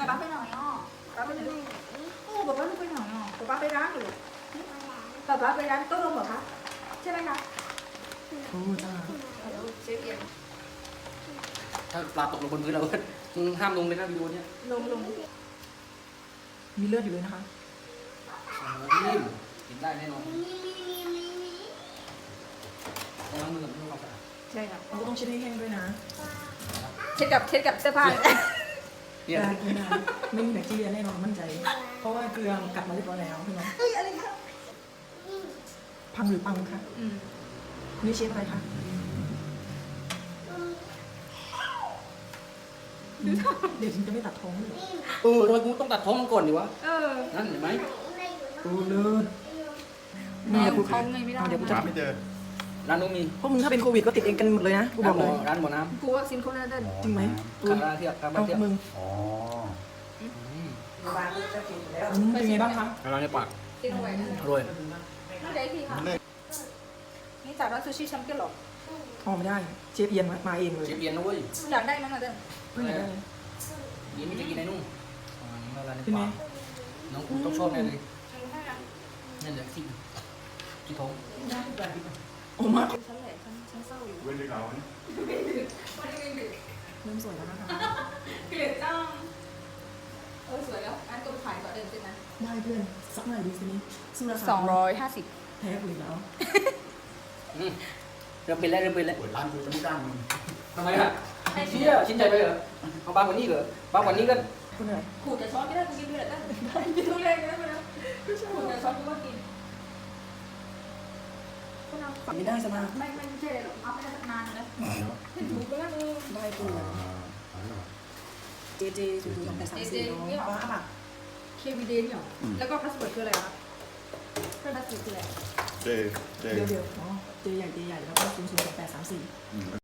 bà bác bên nào nhỏ bà bên nào bà bác bên nào nhỏ bà bác bên rán rồi bà bác bên rán tốt không bà bácใช่ไหมคะโอ้จ้าเชฟเอียนถ้าปลาตกลงบนพื้นเราก็มึงห้ามลงเลยนะวิดีโอเนี้ยลงมีเลือดอยู่เลยนะคะโอ้โหกินได้แน่นอนต้องล้างมือกับน้ำความสะอาดใช่ค่ะเราก็ต้องเช็ดให้แห้งด้วยนะเช็ดกับเสื้อผ้าเนี่ยได้กินได้ไม่มีแบคทีเรียแน่นอนมั่นใจ เพราะว่าเกลือกัดมาเรียบร้อยแล้วใช่ไหมเฮ้ยอะไรคะพังหรือปังคะนี่เชฟอะไรคะเดี๋ยวฉันจะไม่ตัดท้องเลยทำไมกูต้องตัดท้องมันก่อนดีวะ นั่นเห็นไหมโอ้เลิศแม่กูเขาไงไม่ได้เดี๋ยวกูจะหาไม่เจอร้านนู้นมีพวกมึงถ้าเป็นโควิดก็ติดเองกันหมดเลยนะกูบอกเลยร้านหมอน้กูวัคซีนโควิดได้จริงไหมำคาราเทียบคาราเอาเทียบมึงอ๋อเป็นไงบ้างคะคาราในปากซีโนแวคอร่อยไม่ได้ที่ค่ะนี่จากร้านซูชิแชมเปี้ยนหรออ๋อไม่ได้เชฟเอียนมาเองเลยเชฟเบียนนะเว้ยอยากได้มั้งอ่ะเด้อเพิ่งอยากได้เลยนี่ไม่จะกินไอ้นุ่มละลายในเป็นไงปากน้องกูต้องชอบแน่เลยนั่นแหละที่ท้องโอ้มากฉันแหละฉันเศร้าอยู่เว้นดึกเอาเนี่ยเริ่มสวยแล้วนะคะเกลียดจังสวยแล้วอันตัวขายก่อนเดินใช่ไหมได้เพื่อนสักหน่อยดีสินี่สู้ราคา 250 แพ้กูอีกแล้วเริ่มเป็นแล้วเปิดร้านกูจะไม่จ้างมึงทำไมอ่ะเชี่ยชิ้นใจไปเหรอเอาบางกว่านี้เหรอบางกว่านี้ก็คุณเหนื่อยขูดแต่ช้อนไม่ได้กูกินด้วยได้กินทุเรียนก็ได้ไหมนะขูดแต่ช้อนกูก็กินไม่ได้สมาไม่ใช่หรอกเอาไปได้สักนานนะถูกไปแล้วมึงได้กูเจ0028334น้องป้าป่ะ KVD เนี่ยแล้วก็พาสเวิร์ดคืออะไรครับพาสเวิร์ดคืออะไรเจเดี๋ยวอ๋อเจใหญ่แล้วก็0028334